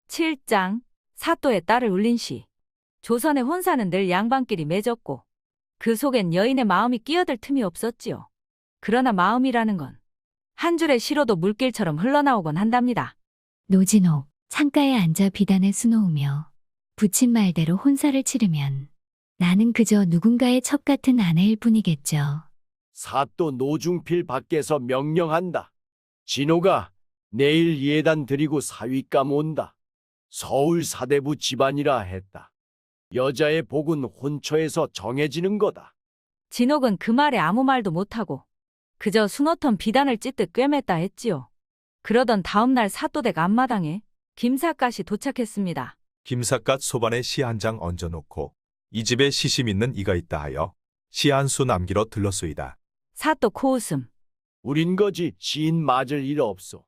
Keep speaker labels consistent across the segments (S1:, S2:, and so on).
S1: 7장 사또의 딸을 울린 시. 조선의 혼사는 늘 양반끼리 맺었고 그 속엔 여인의 마음이 끼어들 틈이 없었지요. 그러나 마음이라는 건 한 줄의 시로도 물길처럼 흘러나오곤 한답니다.
S2: 노진옥, 창가에 앉아 비단을 수놓으며 부친 말대로 혼사를 치르면 나는 그저 누군가의 첩 같은 아내일 뿐이겠죠.
S3: 사또 노중필 밖에서 명령한다. 진호가 내일 예단 드리고 사윗감 온다. 서울 사대부 집안이라 했다. 여자의 복은 혼처에서 정해지는 거다.
S1: 진옥은 그 말에 아무 말도 못하고 그저 수놓던 비단을 찢듯 꿰맸다 했지요. 그러던 다음날 사또댁 앞마당에 김삿갓이 도착했습니다.
S4: 김삿갓 소반에 시 한 장 얹어놓고 이 집에 시심 있는 이가 있다 하여 시 한 수 남기러 들렀소이다.
S1: 사또 코웃음.
S3: 우린 거지 시인 맞을 일 없소.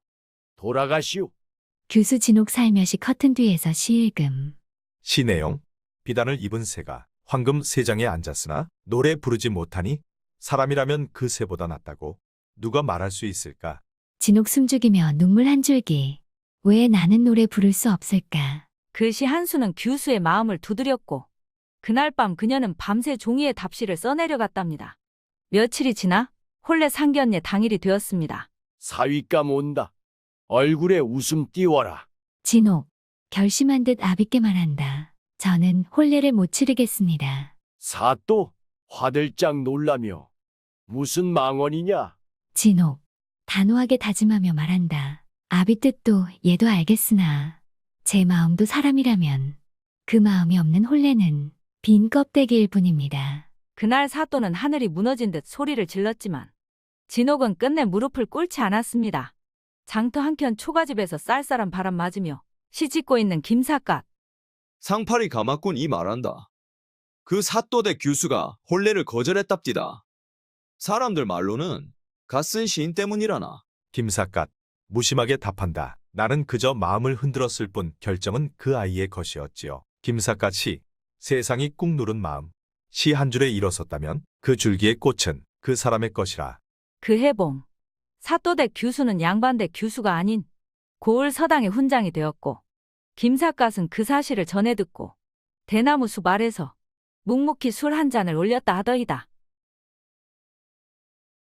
S3: 돌아가시오.
S2: 규수 진옥 살며시 커튼 뒤에서 시일금.
S4: 시 내용, 비단을 입은 새가 황금 세장에 앉았으나 노래 부르지 못하니 사람이라면 그 새보다 낫다고 누가 말할 수 있을까?
S2: 진옥 숨죽이며 눈물 한 줄기. 왜 나는 노래 부를 수 없을까?
S1: 그 시 한 수는 규수의 마음을 두드렸고 그날 밤 그녀는 밤새 종이에 답시를 써내려갔답니다. 며칠이 지나 혼례 상견례 당일이 되었습니다.
S3: 사윗감 온다. 얼굴에 웃음 띄워라.
S2: 진옥, 결심한 듯 아비께 말한다. 저는 혼례를 못 치르겠습니다.
S3: 사또 화들짝 놀라며 무슨 망언이냐?
S2: 진옥, 단호하게 다짐하며 말한다. 아비 뜻도 얘도 알겠으나 제 마음도 사람이라면 그 마음이 없는 혼례는 빈 껍데기일 뿐입니다.
S1: 그날 사또는 하늘이 무너진 듯 소리를 질렀지만 진옥은 끝내 무릎을 꿇지 않았습니다. 장터 한켠 초가집에서 쌀쌀한 바람 맞으며 시짓고 있는 김삿갓.
S5: 상팔이 가마꾼 이 말한다. 그 사또대 규수가 혼례를 거절했답디다. 사람들 말로는 갓쓴 시인 때문이라나.
S4: 김삿갓 무심하게 답한다. 나는 그저 마음을 흔들었을 뿐 결정은 그 아이의 것이었지요. 김삿갓이 세상이 꾹 누른 마음, 시 한 줄에 일어섰다면 그 줄기의 꽃은 그 사람의 것이라.
S1: 그 해봉. 사또댁 규수는 양반댁 규수가 아닌 고을 서당의 훈장이 되었고 김삿갓은 그 사실을 전해 듣고 대나무 숲 아래서 묵묵히 술 한 잔을 올렸다 하더이다.